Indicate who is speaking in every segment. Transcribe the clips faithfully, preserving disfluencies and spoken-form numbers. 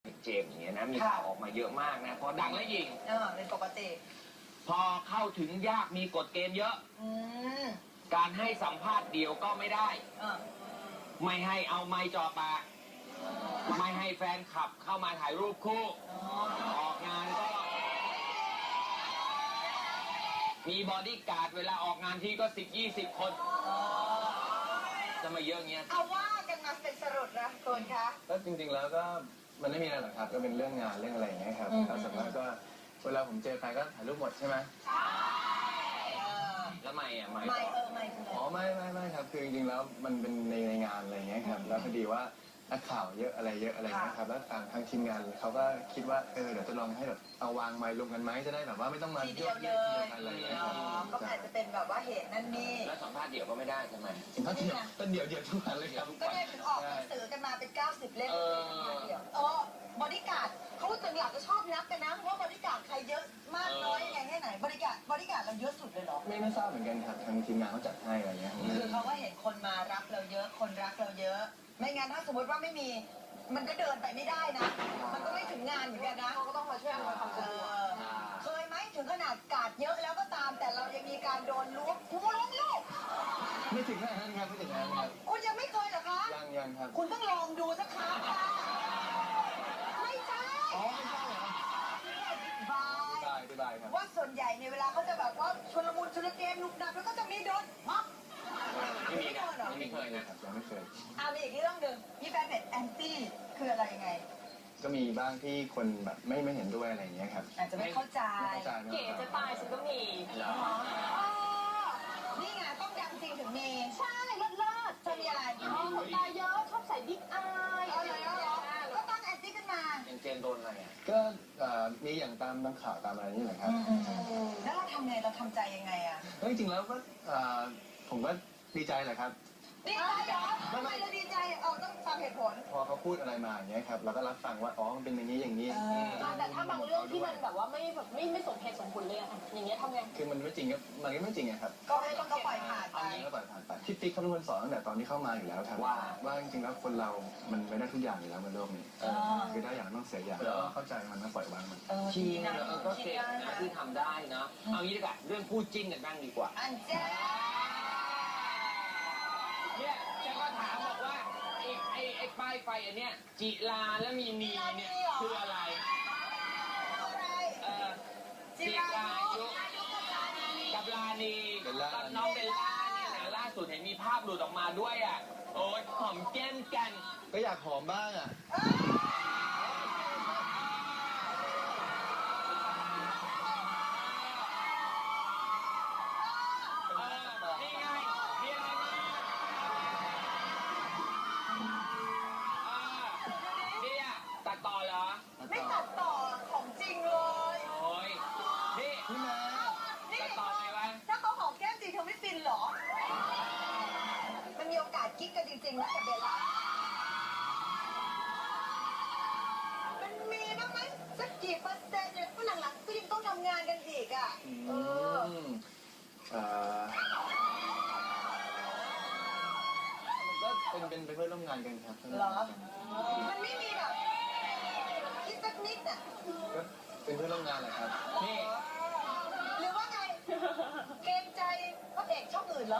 Speaker 1: เจมส์อย่างเงี้ยนะมีข่าวออกมาเยอะมากนะพอดังแล้วยิง
Speaker 2: เออเป็นปกติ
Speaker 1: พอเข้าถึงยากมีกฎเกณฑ์เยอะ
Speaker 2: อืม
Speaker 1: การให้สัมภาษณ์เดียวก็ไม่ได้
Speaker 2: เออ
Speaker 1: ไม่ให้เอาไม้จ่อปากไม่ให้แฟนคลับเข้ามาถ่ายรูปคู่ออกงานก็มีบอดี้การ์ดเวลาออกงานที่ก็สิบยี่สิบคนจะมาเยอะเงี้ย
Speaker 2: เอาว่ากันมาเป็นสรุปนะคุณคะ
Speaker 3: ก็จริงๆแล้วก็มันไม่มีอะไรหรอกครับก็เป็นเรื่องงานเรื่องอะไรอย่างเงี้ยครับแล้วส่วนมากก็เวลาผมเจอใครก็ถ่ายรูปหมดใช่ไหม
Speaker 1: แล้วไม่อะไม่
Speaker 2: ไม่เออไม่
Speaker 3: อ๋อไม่ไม่ไม่ครับคือจริงๆแล้วมันเป็นในในงานอะไรอย่างเงี้ยครับแล้วพอดีว่านักข่าวเยอะอะไรเยอะอะไรเงี้ยครับแล้วทางทางทีมงานเขาก็คิดว่าเออเดี๋ยวจะลองให้แบบเอาวางไมค์รวมกันไหมจะได้แบบว่าไม่ต้องมา
Speaker 2: ทีเดียวเลย
Speaker 3: อะไรอย่างเงี้ยครับ
Speaker 2: ก็อาจจะเป็นแบบว่าเหตุนั่นนี่
Speaker 1: แล้วสัมภาษณ์เดี่ยวก็ไม่ได้ใช่ไหม
Speaker 3: สัมภาษณ์เดี่ยวก็เดี่ยวเดี่ยวทุกวันเลยครับ
Speaker 2: ก็ได้ถึงออกหนังสือกันมาเป็นเก้าสิบเล่มเดี่ยวเออบริการเขาตึงหลักก็ชอบนับกันนะว่าบริการใครเยอะมากน้อยยังไงแค่ไหนบริการบริการเราเยอะสุดเลยเหรอ
Speaker 3: ไม่ไม่ทราบเหมือนกันครับทางทีมงานเขาจัดให้อะไรเงี้ย
Speaker 2: คือเขาก็เห็นคนมารับเราเยอะคนรักเราเยอะไม่งั้นถ้าสมมติว่าไม่มีมันก็เดินไปไม่ได้นะมันก็ไม่ถึงงานเหมือนกันนะเขาก็ต้องมาช่วยอำนวยความสะดวกเคยไหมถึงขนาดกาดเยอะแล้วก็ตามแต่เรายังมีการโดนล้วงหัวล้วงลูก
Speaker 3: ไม่ถึงขนาดนั้นครับไม่ถึงขนาดนั้นครับ
Speaker 2: คุณยังไม่เคยเหรอคะ
Speaker 3: ยังยังครับ
Speaker 2: คุณต้องลองดูสักครั้งค่ะไม่ใช่
Speaker 3: อ๋อไม่ใช่เหรอบายบายบายครับ
Speaker 2: ว่าส่วนใหญ่ในเวลาเขาจะแบบว่าชลมุนชลเกมลุกนับแล้วก็จะมีโดนม็อบ
Speaker 1: ไม่มีนะไม่เคย
Speaker 3: นะครับยังไม่เคย
Speaker 2: อ่ามีอีกเรื่องหนึ่งพี่แฟนเพจแอนตี้คืออะไรยังไง
Speaker 3: ก็มีบ้างที่คนแบบไม่ไม่เห็นด้วยอะไรอย่างเงี้ยครับ
Speaker 2: อาจจะไม่เข้าใจ
Speaker 4: เก๋จะตายฉันก็มี
Speaker 1: เหรอ
Speaker 2: นี่ไงต้องดังจริงถึงมี
Speaker 4: ใช่เลิศเลิศ
Speaker 2: จะมีอะไร
Speaker 4: อ๋อขนตาเยอะชอบใส่บิ๊กอาย
Speaker 2: อะไรก็ตั้งแอนตี้ขึ้นมา
Speaker 1: อย่างเจนโดนอะไรอ่ะ
Speaker 3: ก็มีอย่างตามตามข่าวตามอะไรนี่แหละครับ
Speaker 2: แล้วเราทำไงเราทำใจยังไงอ่ะ
Speaker 3: ก็จริงๆแล้วก็ผมก็ดีใจแหละครับ
Speaker 2: ดีใจเหรอทำไมเราดีใจเออต้องฟังเหตุผล
Speaker 3: พอเขาพูดอะไรมาอย่างเงี้ยครับเราก็รับฟังว่าอ๋อมันเป็นอย่างนี้อย่างนี้
Speaker 4: แต่ถ้าบางเรื่องที่มันแบบว่าไม่แบบไม่ไม่สมเหตุสมผลเลยอะอย่างเงี้ยทำไง
Speaker 3: คือมันไม่จริงก็มันก็ไม่จริงครับ
Speaker 2: ก็ไม่ต้องก็ปล่อยผ่านไป
Speaker 3: ก็ปล่อยผ่านไปพี่ติ๊กเขาเป็นคนสอนตั้งแต่ตอนที่เข้ามาอยู่แล้วครับว่าว่าจริงๆแล้วคนเรามันไม่ได้ทุกอย่างอยู่แล้วบนโลกนี้คือได้อย่างต้องเสียอย่างแล้วเข้าใจมันแล้วปล่อยวางมัน
Speaker 1: ชีนะก็เก่งนะที่ทำได้นะเอางี้ดีกว่าเรื่องพูดจริงกันบ้างดีกว่า
Speaker 2: อันเจ้
Speaker 1: เนี่ยฉันก็ถามบอกว่าไอ้ไอ้ไอ้ป้ายไฟอันเนี้ยจิลาแล้วมีนีเนี่ยคืออะไรเออจิรายุกับลานีกับน้องเบลล่าเนี่ยนะล่าสุดเห็นมีภาพหลุดออกมาด้วยอ่ะโอ๊ยหอมแก้มกัน
Speaker 3: ก็อยากหอมบ้างอ่ะ
Speaker 1: ต่อเหรอ
Speaker 2: ไม่ตัดต่อของจริงเลย
Speaker 1: โอ้ยนี่
Speaker 3: พี่แม่
Speaker 1: ตัดต่อไงวะ
Speaker 2: ถ้าเขาหอมแก้มจริงเธอไม่ฟินหรอมันมีโอกาสกิ๊กกันจริงๆนะกับเบลล่ามันมีบ้างไหมสักกี่เปอร์เซ็นต์เนี่ยเพราะหลังๆก็ยังต้องทำงานกันอีกอ่ะเออ
Speaker 3: ก็เป็นเป็นเพื่อนร่วมงานกันครับ
Speaker 2: เหรอมันไม่มีแบบคิดสักนิดอ่ะ
Speaker 3: ก็เป็นเพื่อนร่วมงานแหละครับ
Speaker 1: นี่
Speaker 2: หรือว่าไงเกรงใจพระเอกช่องอื่นเหรอ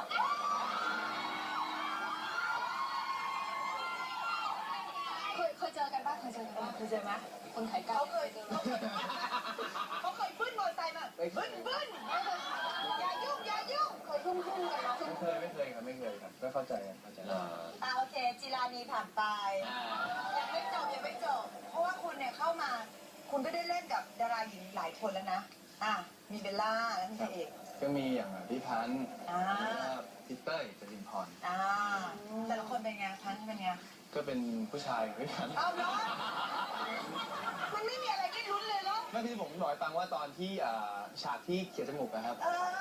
Speaker 4: เคยเคยเจอกันป่ะเคยเจอกันป่ะ
Speaker 2: เคยเจอไหม
Speaker 4: คนขายกั
Speaker 2: นเขาเคยเขาเคยบึ้นมอเตอร์ไซค์มาบึ้นบึ้นอย่ายุ่งอย่ายุ่ง
Speaker 4: เคยทุ่มทุ่มกันนะ
Speaker 3: ไม่เคยไม่เคยครับไม่เคยครับก็เข้าใจเข้าใจ
Speaker 2: อ่าโอเคจิรานีผ่านไปยังไม่จบยังไม่จบเพราะว่าคุณเนี่ยเข้ามาคุณก็ได้เล่นกับดาราหญิงหลายคนแล้วนะอ่ะมีเบลล่าแล้วมีใครอีก
Speaker 3: ก็มีอย่างพี่พันธ์
Speaker 2: อ่า
Speaker 3: พี่เต้ยจรินพร
Speaker 2: อ่าแต่ละคนเป็นไงพันธ์เป็นไง
Speaker 3: ก็เป็นผู้ชายพี่พันธ์
Speaker 2: เอาเนาะมันไม่มีอะไรที่ลุ้นเลยเนาะ
Speaker 3: ไม่พี่ผมบอกให้ฟังว่าตอนที่ฉากที่เขียนจมูกนะครับ
Speaker 2: เออ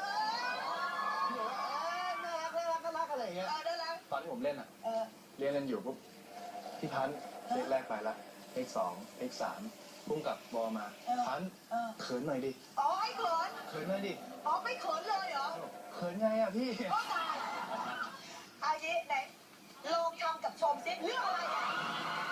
Speaker 3: น่ารักน่ารักน่ารักอะไรอย่างเงี้ยตอนที่ผมเล่นอ่ะเรียนกันอยู่ปุ๊บพี่พันธ์เลขแรกไปละเลขสองเลขสามพุ่งกับบอมาพันเขินหน่อยดิ
Speaker 2: อ๋อให้เขิน
Speaker 3: เขินหน่อยดิ
Speaker 2: อ๋อไม่เขินเลยเหรอ
Speaker 3: เขินไงอ่ะพี่
Speaker 2: ก็ตายอายิไหนลองทำกับชมซิเรื่องอะไร